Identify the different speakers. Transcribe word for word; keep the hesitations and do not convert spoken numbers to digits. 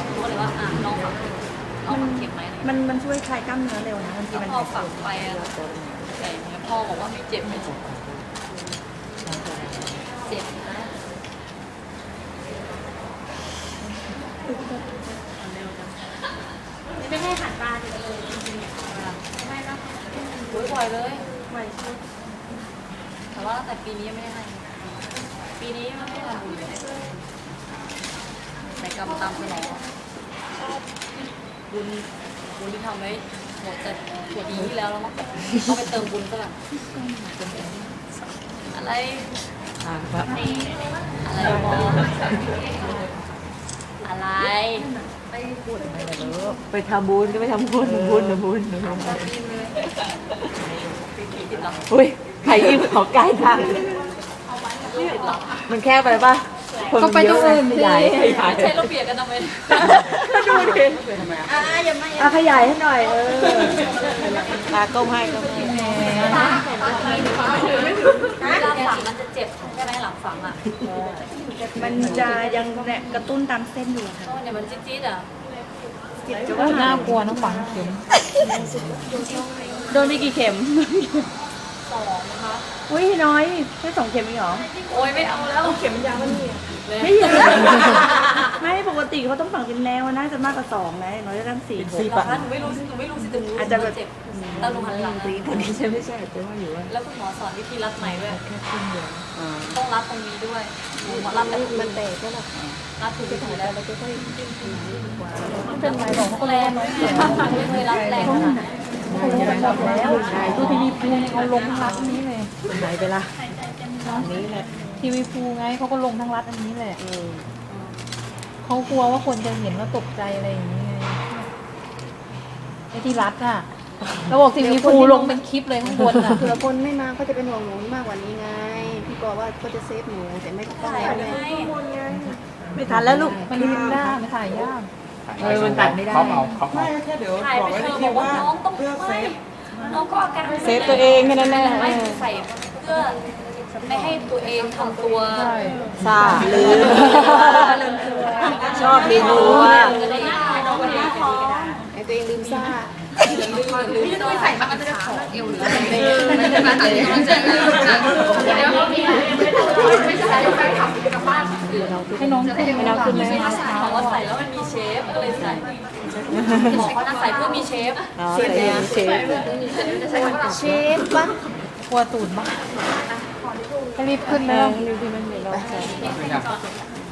Speaker 1: เขาก็เลยว่าอ่ะลองฝังเอาฝังเข็มไหม
Speaker 2: มันมันช่วยคลายกล้ามเนื้อเร็วนะบางทีมัน
Speaker 1: พอฝังไปอะแต่เนี้ยพ่อบอกว่าไม่เจ็บไม่เจ็บเจ็บนะ
Speaker 3: ไม่ให้หันตาจะเลยจริงๆเนี่ยไม่ก็
Speaker 1: โอ้ยบ่อยเลย
Speaker 2: ไวชุด
Speaker 1: แต่ว่าตั้งแต่ปีนี้ยังไม่ได้ให้ปีนี้มันไม่ได้ทำบุญเลยแต่กรรมตามสนองบุญบุญที่ทำไว้หมดแต่หัวดีที่แล้วแล้วมั้งต้องไปเติมบุญซะก่อนอะไร
Speaker 4: อ่าครับ
Speaker 1: อะไรมองอะไร
Speaker 4: ไปทำบุญก็ไปทำบุญบุญนะบุญนะบุญ
Speaker 1: ติดหรอ
Speaker 4: อุ้ยใครยิ้มขอใกล้ทาง
Speaker 1: ติดหรอ
Speaker 4: มันแค่ไปป่ะคนมันเยอะเลยขยายขยาย
Speaker 1: ใช่เราเปลี่ยนกันทำไม
Speaker 4: ดูดิ
Speaker 2: อ่าอย่ามา
Speaker 4: อ่ะขยายให้หน่อยเออตาก้มให้ก้มให้
Speaker 1: เวลาฝังมันจะเจ็บใช่ไหมหลังฝังอ่ะ
Speaker 2: มันจะยังเนี่ยกระตุ้นตามเส้นอยู่ค่ะ
Speaker 1: เพราะเนี่ยมันจี๊ดๆอ่ะ
Speaker 2: จะว่า
Speaker 4: น่ากลัวนะฝังเข็ม
Speaker 2: โดนไปกี่เข็ม
Speaker 1: สองนะคะ
Speaker 2: อุ้ยน้อยแค่สองเข็มเองเหรอ
Speaker 1: โอ้ยไม่เอาแล้วเข็มยาวมันนี่
Speaker 2: ไม่เยอะไม่ปกติเขาต้องฝังเป็นแนวน่าจะมากกว่าสองนะอย่างน้อยจะตั้งสี่
Speaker 4: สี่
Speaker 1: หรอ
Speaker 4: ปะ
Speaker 1: คะหนูไม่รู้สิหนูไม่รู้สิแต่หนู
Speaker 2: อาจจะแบบ
Speaker 1: เจ็บแล้วหนูหันหลัง
Speaker 4: คนนี้ใช่ไม่ใช่แต่ว่าอยู่ว่า
Speaker 1: แล้วคุณหมอสอนวิธีรัดไหมด้วย
Speaker 4: แค่ครึ่งเดียวอ่า
Speaker 1: ต้องรัดตรงนี้ด้วยหนูมารัดแบบ
Speaker 4: มันแตกก็หรอ
Speaker 1: รัดถูกวิธีแล้ว
Speaker 4: เราจะค่อย
Speaker 1: เป็นไรบอกเขาแรงไม่เคยรัดแรงขนาดนั้น
Speaker 4: แล้วดูทีวีพูเขาลงทั้งรัดนี้เลยไหนไปละนี้แหละ
Speaker 5: ทีวีพูไงเขาก็ลงทั้งรัฐอันนี้แหละเขากลัวว่าคนจะเห็นแล้วตกใจอะไรอย่างนี้ไงไอ้ที่รัฐอ่ะเราบอกทีวีพูลงเป็นคลิปเลยข้างบนอ่ะ
Speaker 6: เผื่อคนไม่มาก็จะเป็นห่วงหนูมากกว่านี้ไง พี่กลัวว่าก็จะเซฟหนูแต่ไม่ต้อง
Speaker 1: ถ่าย
Speaker 6: แล้ว
Speaker 1: ไว้
Speaker 6: ไง
Speaker 1: ให้
Speaker 2: ไม่ทันแล้วลูก
Speaker 5: มันลิมด้ามันถ่ายยาก
Speaker 4: เออมันตัดไม่ได้
Speaker 7: เขาเอาเขาเอา
Speaker 1: ถ่ายไปเธอบอกว่าน้องต้องไม่น้องก็อาการ
Speaker 4: เซฟตัวเองแค่นั้นแหละ
Speaker 1: ไม่ใส่เพื่อไม่ให้ตัวเองทำตัว
Speaker 4: ซาลืมชอบเรียนรู้ว่า
Speaker 1: จะได้น้องคนนี้
Speaker 6: ไอ้ตัวเองลืมซ่า
Speaker 1: ไม่ต้องใส่มันจะขอเอวหรืออะไรไม่ใช่แฟนคลับกับบ้าน
Speaker 5: ให้น้องขึ้นให้น้องขึ้นเลย
Speaker 1: บอกว่าใส่แล้วมันมีเชฟก็เลยใส่บอกว่าน่าใส่เพื่อมีเชฟ
Speaker 4: เชฟเนี่ยเชฟ
Speaker 6: เชฟปะ
Speaker 5: กลัวตูดบ้างให้รีบขึ้นแล้ว
Speaker 4: ดูที่มันเดี๋ยวเราใส่